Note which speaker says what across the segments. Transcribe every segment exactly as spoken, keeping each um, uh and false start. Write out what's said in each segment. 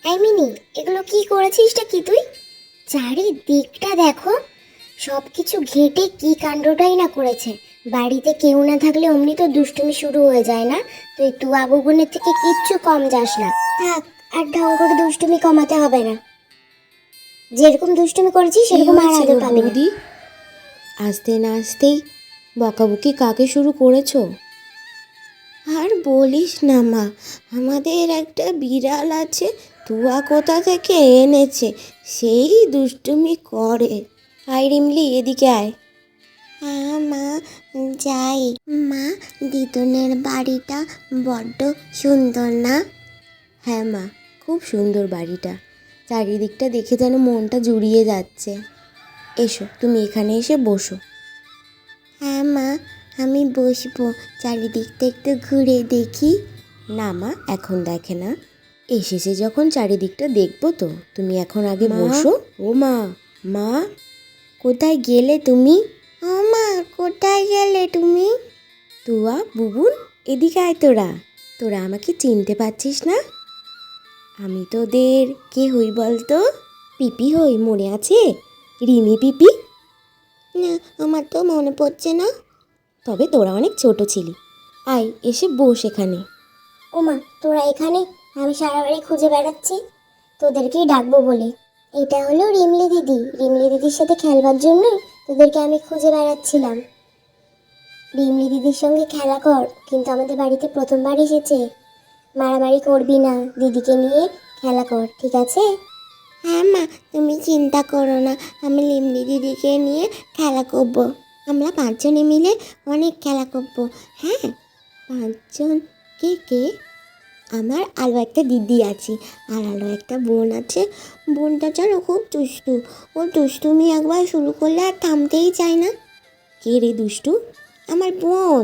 Speaker 1: এই মিনি, এগুলো কি করেছিসটা কি তুই? চারিদিকটা দেখো, সব কিছু ঘেঁটে কি কাণ্ডটাই না করেছে। বাড়িতে কেউ না থাকলে অমনি তো দুষ্টুমি শুরু হয়ে যায় না? তুই তুয়া বুবুনের থেকে কিচ্ছু কম যাস না। থাক, আর ঢং করে দুষ্টুমি কমাতে হবে না। যেরকম দুষ্টুমি করেছিস
Speaker 2: কি
Speaker 1: সেরকম আর
Speaker 2: হয়েছে
Speaker 1: আদর
Speaker 2: গো
Speaker 1: পাবি না।
Speaker 2: বৌদি? আসতে না আসতেই বকাবকি কাকে শুরু করেছো? আর বলিস না মা, আমাদের একটা বিড়াল আছে, তুয়া কোথা থেকে এনেছে, সেই দুষ্টুমি করে। আয় রিমলি, এদিকে আয়। হ্যাঁ মা, যাই। মা, দিদনের বাড়িটা বড্ড সুন্দর না? হ্যাঁ মা, খুব সুন্দর বাড়িটা। চারিদিকটা দেখে যেন মনটা জুড়িয়ে যাচ্ছে। এসো, তুমি এখানে এসে বসো। হ্যাঁ মা, আমি বসবো। চারিদিকটা একটু ঘুরে দেখি। না মা, এখন দেখে না, এসেছে যখন চারিদিকটা দেখবো তো। তুমি এখন আগে বসো। ও মা, মা কোথায় গেলে তুমি? ও মা, কোথায় গেলে তুমি? তুয়া, বুবুন, এদিকে আয়। তোরা তোরা আমাকে চিনতে পারছিস না? আমি তোদের কে হই বলতো? পিপি হই, মনে আছে? রিমি পিপি। না, আমার তো মনে পড়ছে না। তবে তোরা অনেক ছোট ছিলি। আয়, এসে বস এখানে।
Speaker 1: ওমা, তোরা এখানে? আমি সারা বাড়ি খুঁজে বেড়াচ্ছি তোদেরকেই ডাকবো বলে। এটা হলো রিমলি দিদি। রিমলি দিদির সাথে খেলবার জন্য তোদেরকে আমি খুঁজে বেড়াচ্ছিলাম। রিমলি দিদির সঙ্গে খেলা কর, কিন্তু আমাদের বাড়িতে প্রথমবার এসেছে। মারামারি করবি না, দিদিকে নিয়ে খেলা কর, ঠিক আছে?
Speaker 2: হ্যাঁ মা, তুমি চিন্তা করো না, আমি লিমলি দিদিকে নিয়ে খেলা করবো। আমরা পাঁচজনে মিলে অনেক খেলা করবো। হ্যাঁ, পাঁচজন? কে কে? আমার আরও একটা দিদি আছে, আর আরও একটা বোন আছে। বোনটা যেন খুব দুষ্টু। ও দুষ্টুমি একবার শুরু করলে আর থামতেই চায় না। কে রে দুষ্টু? আমার বোন।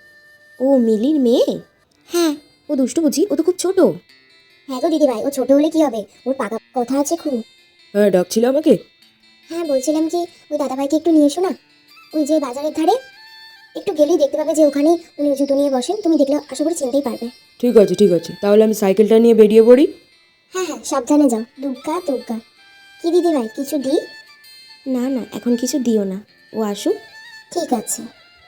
Speaker 2: ও মিলির মেয়ে? হ্যাঁ। ও দুষ্টু বুঝি? ও তো খুব ছোট।
Speaker 1: হ্যাঁ গো দিদি ভাই, ও ছোট হলে কি হবে, ওর পাকা কথা আছে খুব।
Speaker 3: হ্যাঁ, ডাকছিল আমাকে?
Speaker 1: হ্যাঁ, বলছিলাম কি, ওই দাদাভাইকে একটু নিয়ে এসো না। ওই যে বাজারের ধারে একটু গেলেই দেখতে পাবে যে ওখানে উনি জুতো নিয়ে বসেন। তুমি দেখলে আশা করি চিনতেই পারবে।
Speaker 3: ঠিক আছে ঠিক আছে, তাহলে আমি সাইকেলটা নিয়ে বেরিয়ে পড়ি।
Speaker 1: হ্যাঁ হ্যাঁ, সাবধানে যাও। দুগ্গা দুগ্গা। কি দিদি ভাই, কিছু দিই?
Speaker 2: না না, এখন কিছু দিও না, ও আসুক।
Speaker 1: ঠিক আছে।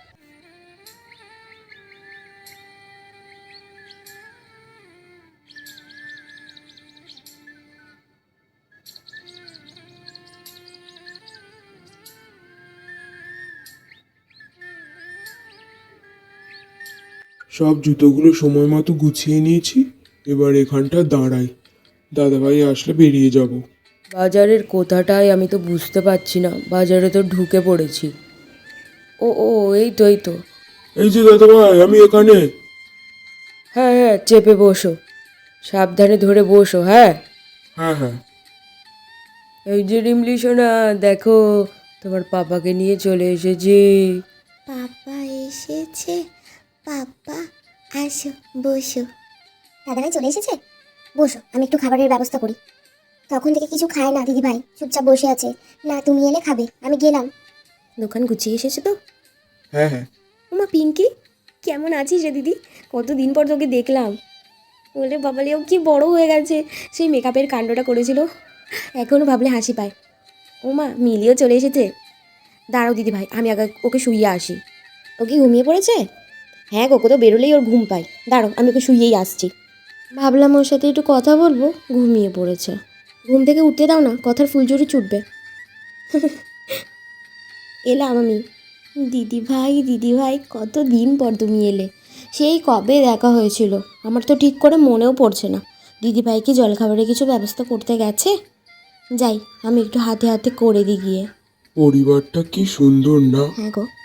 Speaker 4: সব জুতোগুলো সময় মতো গুছিয়ে নিয়েছি। এবার এখানটা দাঁড়াই, দাদাভাই আসলে বেরিয়ে যাব।
Speaker 3: বাজারের কোথাটায় আমি তো বুঝতে পারছি না, বাজারে তো ঢুকে পড়েছি। ও ও এই তো এই তো।
Speaker 4: এই যে দাদাভাই, আমি এখানে।
Speaker 3: হ্যাঁ হ্যাঁ, চেপে বসো, সাবধানে ধরে বসো। হ্যাঁ
Speaker 4: হ্যাঁ হ্যাঁ।
Speaker 3: এই যে রিমলি সোনা, দেখো তোমার পাপাকে নিয়ে চলে এসেছি।
Speaker 2: পাপা এসেছে? পাপা, আসো, বসো।
Speaker 1: দাদাভাই চলে এসেছে? বসো, আমি একটু খাবারের ব্যবস্থা করি। তখন থেকে কিছু খায় না দিদি ভাই, চুপচাপ বসে আছে। না, তুমি এলে খাবে, আমি গেলাম।
Speaker 2: দোকান গুছিয়ে এসেছে তো?
Speaker 4: হ্যাঁ হ্যাঁ।
Speaker 2: ওমা পিঙ্কি, কেমন আছিস রে দিদি? কতদিন পর তোকে দেখলাম। বলে বাবালিও কি বড় হয়ে গেছে, সেই মেকআপের কাণ্ডটা করেছিল, এখনও ভাবলে হাসি পায়। ওমা মিলিও চলে এসেছে। দাঁড়াও দিদি ভাই, আমি আগে ওকে শুইয়ে আসি। ও কি ঘুমিয়ে পড়েছে? হ্যাঁ গো, কোথাও বেরোলেই ওর ঘুম পায়। দাঁড়াও, আমি ওকে শুইয়েই আসছি। ভাবলাম ওর সাথে একটু কথা বলবো, ঘুমিয়ে পড়েছে। ঘুম থেকে উঠতে দাও না, কথার ফুলঝুরি ছুটবে। এলাম আমি। দিদি ভাই, দিদি ভাই, কত দিন পর তুমি এলে। সেই কবে দেখা হয়েছিল, আমার তো ঠিক করে মনেও পড়ছে না। দিদি ভাই কি জলখাবারে কিছু ব্যবস্থা করতে গেছে? যাই, আমি একটু হাতে হাতে করে দিই গিয়ে।
Speaker 4: পরিবারটা কি সুন্দর না?
Speaker 2: হ্যাঁ গো,